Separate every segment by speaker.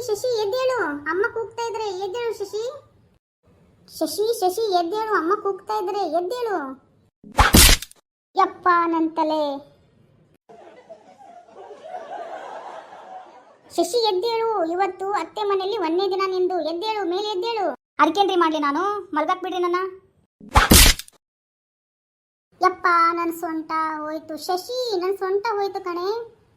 Speaker 1: ಶಶಿ ಎದ್ದೇಳು, ಅಮ್ಮ ಕೂಗ್ತಾ ಇದ್ರೆ ಎದ್ದೇಳು ಶಶಿ. ಶಶಿ ಶಶಿ ಎದ್ದೇಳು, ಅಮ್ಮ ಕೂಗ್ತಾ ಇದ್ರೆ ಎದ್ದೇಳು. ಯಪ್ಪ ನನ್ನ ತಲೆ. ಶಶಿ ಎದ್ದೇಳು, ಇವತ್ತು ಅತ್ತೆ ಮನೆಯಲ್ಲಿ ಒಂದೇ ದಿನ ನಿಂದು. ಎದ್ದೇಳು, ಮೇಲೆ ಎದ್ದೇಳು. ಅದಕ್ಕೇನ್ರಿ ಮಾಡ್ಲಿ ನಾನು, ಮಲ್ಗಾಕ್ ಬಿಡ್ರಿ ನನ್ನ. ಯಪ್ಪ ನನ್ನ ಸೊಂಟ ಹೋಯ್ತು ಶಶಿ, ನನ್ನ ಸೊಂಟ ಹೋಯ್ತು ಕಣೆ.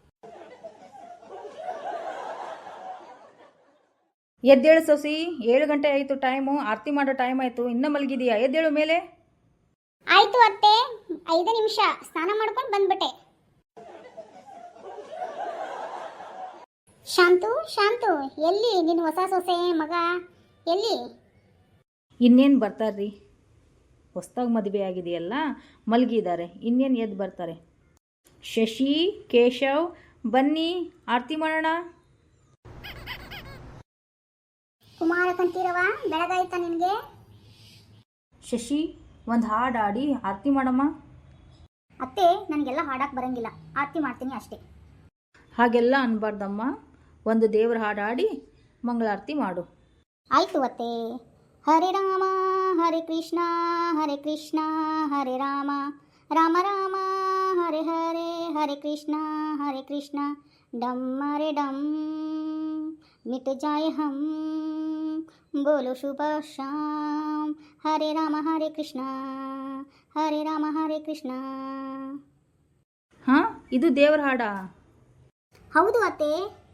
Speaker 2: ಎದ್ದೇಳು ಸೊಸಿ, 7 ಗಂಟೆ ಆಯಿತು, ಟೈಮು ಆರತಿ ಮಾಡೋ ಟೈಮ್ ಆಯಿತು, ಇನ್ನೂ ಮಲಗಿದೀಯಾ? ಎದ್ದೇಳು ಮೇಲೆ.
Speaker 1: ಆಯ್ತು ಅತ್ತೆ, 5 ನಿಮಿಷ ಸ್ನಾನ ಮಾಡ್ಕೊಂಡು ಬಂದ್ಬಿಟ್ಟೆ. ಶಾಂತು ಶಾಂತು, ಎಲ್ಲಿ ನಿನ್ನ ಹೊಸ ಸೊಸೆ ಮಗ ಎಲ್ಲಿ?
Speaker 2: ಇನ್ನೇನು ಬರ್ತಾರ್ರಿ, ಹೊಸ್ದಾಗಿ ಮದುವೆ ಆಗಿದೆಯಲ್ಲ, ಮಲಗಿದ್ದಾರೆ, ಇನ್ನೇನು ಎದ್ದು ಬರ್ತಾರೆ. ಶಶಿ, ಕೇಶವ್ ಬನ್ನಿ ಆರತಿ ಮಾಡೋಣ.
Speaker 1: ಕುಮಾರ ಕಂಠೀರವ, ಬೆಳಗಾಯ್ತಾ ನಿನಗೆ?
Speaker 2: ಶಶಿ, ಒಂದು ಹಾಡು ಆಡಿ ಆರತಿ ಮಾಡಮ್ಮ.
Speaker 1: ಅತ್ತೆ, ನನಗೆಲ್ಲ ಹಾಡಕ್ಕೆ ಬರಂಗಿಲ್ಲ, ಆರತಿ ಮಾಡ್ತೀನಿ ಅಷ್ಟೇ.
Speaker 2: ಹಾಗೆಲ್ಲ ಅನ್ಬಾರ್ದಮ್ಮ, ಒಂದು ದೇವ್ರ ಹಾಡು ಆಡಿ ಮಂಗಳಾರತಿ ಮಾಡು.
Speaker 1: ಆಯ್ತು ಅತ್ತೆ. ಹರೆ ರಾಮ ಹರೆ ಕೃಷ್ಣ ಹರೆ ರಾಮ ರಾಮ ರಾಮ ಹರೆ ಹರೆ ಹರೆ ಕೃಷ್ಣ ಡಮ್ಮರೆ ಡಮ್ ಮಿಟ್ ಜಾಯ ಹಮ್ ಬೋಲೋ ಶುಭ ಶಾಮ್. ಹರೆ ರಾಮ ಹರೆ ಕೃಷ್ಣ
Speaker 2: ಹಾಂ, ಇದು ದೇವ್ರ ಹಾಡಾ?
Speaker 1: ಹೌದು ಅತ್ತೆ.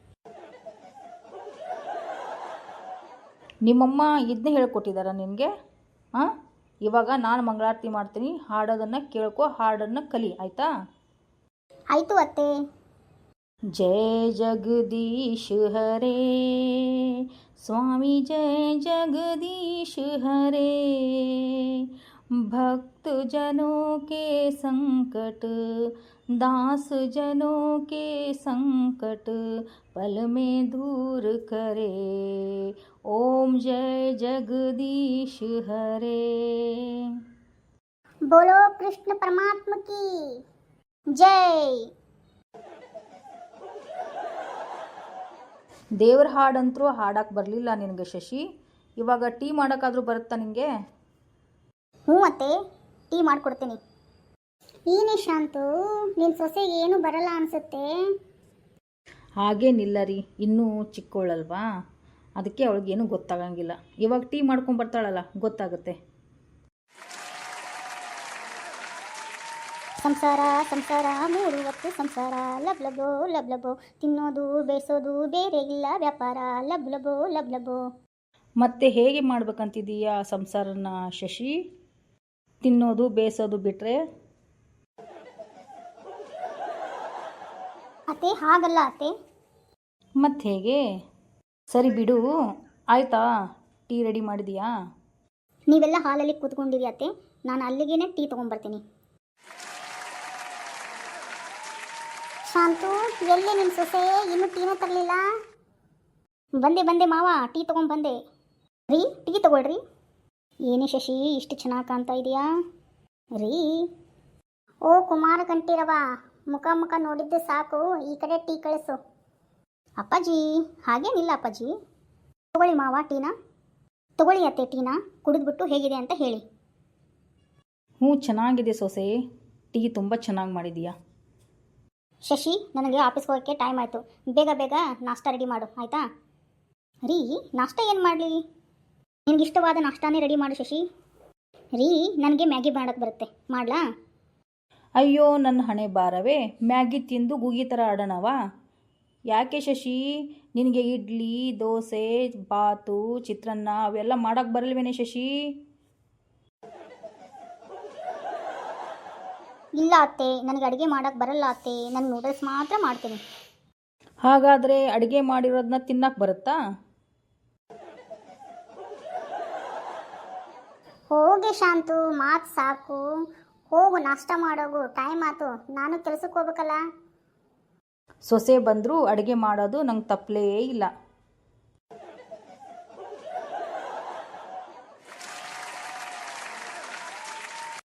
Speaker 2: ನಿಮ್ಮಮ್ಮ ಇದನ್ನೇ ಹೇಳ್ಕೊಟ್ಟಿದ್ದಾರ ನಿನಗೆ? ಹಾಂ, ಇವಾಗ ನಾನು ಮಂಗಳಾರತಿ ಮಾಡ್ತೀನಿ, ಹಾಡೋದನ್ನು ಕೇಳ್ಕೊ, ಹಾಡನ್ನು ಕಲಿ, ಆಯಿತಾ?
Speaker 1: ಆಯಿತು ಅತ್ತೆ.
Speaker 2: जय जगदीश हरे स्वामी, जय जगदीश हरे। भक्त जनों के संकट, दास जनों के संकट पल में दूर करे। ओम जय जगदीश हरे।
Speaker 1: बोलो कृष्ण परमात्मा की जय.
Speaker 2: ದೇವ್ರ ಹಾಡಂತರೂ ಹಾಡಕ್ಕೆ ಬರಲಿಲ್ಲ ನಿನಗೆ ಶಶಿ, ಇವಾಗ ಟೀ ಮಾಡೋಕ್ಕಾದ್ರೂ ಬರುತ್ತಾ ನಿನಗೆ?
Speaker 1: ಹ್ಞೂ ಅತ್ತೆ, ಟೀ ಮಾಡಿಕೊಡ್ತೀನಿ. ಏನೇ ಶಾಂತು, ನಿನ್ನ ಸೊಸೆಗೆ ಏನು ಬರಲ್ಲ ಅನಿಸುತ್ತೆ.
Speaker 2: ಹಾಗೇನಿಲ್ಲ ರೀ, ಇನ್ನೂ ಚಿಕ್ಕವಳಲ್ವಾ, ಅದಕ್ಕೆ ಅವಳಿಗೇನು ಗೊತ್ತಾಗಂಗಿಲ್ಲ. ಇವಾಗ ಟೀ ಮಾಡ್ಕೊಂಡು ಬರ್ತಾಳಲ್ಲ, ಗೊತ್ತಾಗುತ್ತೆ.
Speaker 1: ಸಂಸಾರ ಸಂಸಾರ 3 ಹೊತ್ತು ಸಂಸಾರ, ಲಬ್ಲಬೋ ತಿನ್ನೋದು ಬೇಯಿಸೋದು ಬೇರೆ ಇಲ್ಲ ವ್ಯಾಪಾರ, ಲಬ್ಲಬೋ.
Speaker 2: ಮತ್ತೆ ಹೇಗೆ ಮಾಡ್ಬೇಕಂತಿದೀಯಾ ಸಂಸಾರನ ಶಶಿ? ತಿನ್ನೋದು ಬೇಯಿಸೋದು ಬಿಟ್ರೆ?
Speaker 1: ಅತ್ತೆ, ಹಾಗಲ್ಲ ಅತ್ತೆ.
Speaker 2: ಮತ್ತೆ ಹೇಗೆ? ಸರಿ ಬಿಡು, ಆಯಿತಾ? ಟೀ ರೆಡಿ ಮಾಡಿದೀಯಾ?
Speaker 1: ನೀವೆಲ್ಲ ಹಾಲಲ್ಲಿ ಕೂತ್ಕೊಂಡಿರಿ ಅತ್ತೆ, ನಾನು ಅಲ್ಲಿಗೇನೆ ಟೀ ತೊಗೊಂಡ್ಬರ್ತೀನಿ. ಶಾಂತು, ಎಲ್ಲಿ ನಿಮ್ಮ ಸೊಸೆ? ಇನ್ನೂ ಟೀನೇ ತರಲಿಲ್ಲ. ಬಂದೆ ಮಾವ, ಟೀ ತೊಗೊಂಡ್ಬಂದೆ. ರೀ, ಟೀ ತಗೊಳ್ರಿ. ಏನೇ ಶಶಿ, ಇಷ್ಟು ಚೆನ್ನಾಗಿ ಕಾಣ್ತಾ ಇದೆಯಾ ರೀ? ಓ ಕುಮಾರ ಕಂಠೀರವ, ಮುಖ ನೋಡಿದ್ದು ಸಾಕು, ಈ ಕಡೆ ಟೀ ಕಳಿಸು. ಅಪ್ಪಾಜಿ, ಹಾಗೇನಿಲ್ಲ ಅಪ್ಪಾಜಿ. ತಗೊಳ್ಳಿ ಮಾವ ಟೀನಾ. ತಗೊಳ್ಳಿ ಅತ್ತೆ ಟೀನಾ, ಕುಡಿದ್ಬಿಟ್ಟು ಹೇಗಿದೆ ಅಂತ ಹೇಳಿ.
Speaker 2: ಹ್ಞೂ, ಚೆನ್ನಾಗಿದೆ ಸೊಸೆ, ಟೀ ತುಂಬ ಚೆನ್ನಾಗಿ ಮಾಡಿದೀಯಾ.
Speaker 1: ಶಶಿ, ನನಗೆ ಆಫೀಸ್ಗೆ ಹೋಗೋಕ್ಕೆ ಟೈಮ್ ಆಯಿತು, ಬೇಗ ನಾಷ್ಟ ರೆಡಿ ಮಾಡು ಆಯಿತಾ? ರೀ, ನಾಷ್ಟ ಏನು ಮಾಡಲಿ? ನಿನಗೆ ಇಷ್ಟವಾದ ನಾಷ್ಟಾನೇ ರೆಡಿ ಮಾಡು ಶಶಿ. ರೀ, ನನಗೆ ಮ್ಯಾಗಿ ಮಾಡೋಕ್ಕೆ ಬರುತ್ತೆ, ಮಾಡಲಾ?
Speaker 2: ಅಯ್ಯೋ ನನ್ನ ಹಣೆ ಬಾರವೇ, ಮ್ಯಾಗಿ ತಿಂದು ಗೂಗಿ ಥರ ಆಡೋಣವಾ? ಯಾಕೆ ಶಶಿ, ನಿನಗೆ ಇಡ್ಲಿ, ದೋಸೆ, ಬಾತು, ಚಿತ್ರಾನ್ನ ಅವೆಲ್ಲ ಮಾಡೋಕ್ಕೆ ಬರಲ್ವೇನೆ ಶಶಿ?
Speaker 1: ಇಲ್ಲ ಅತ್ತೆ, ನನಗೆ ಅಡುಗೆ ಮಾಡೋಕ್ಕೆ ಬರಲ್ಲ ಅತ್ತೆ, ನಾನು ನೂಡಲ್ಸ್ ಮಾತ್ರ ಮಾಡ್ತೀನಿ.
Speaker 2: ಹಾಗಾದರೆ ಅಡುಗೆ ಮಾಡಿರೋದನ್ನ ತಿನ್ನಕ್ಕೆ ಬರುತ್ತಾ?
Speaker 1: ಹೋಗಿ ಶಾಂತು, ಮಾತು ಸಾಕು, ಹೋಗು ನಾಷ್ಟ ಮಾಡೋಗು, ಟೈಮ್ ಆಯ್ತು, ನಾನು ಕೆಲಸಕ್ಕೆ ಹೋಗ್ಬೇಕಲ್ಲ.
Speaker 2: ಸೊಸೆ ಬಂದರೂ ಅಡುಗೆ ಮಾಡೋದು ನಂಗೆ ತಪ್ಪಲೇ ಇಲ್ಲ.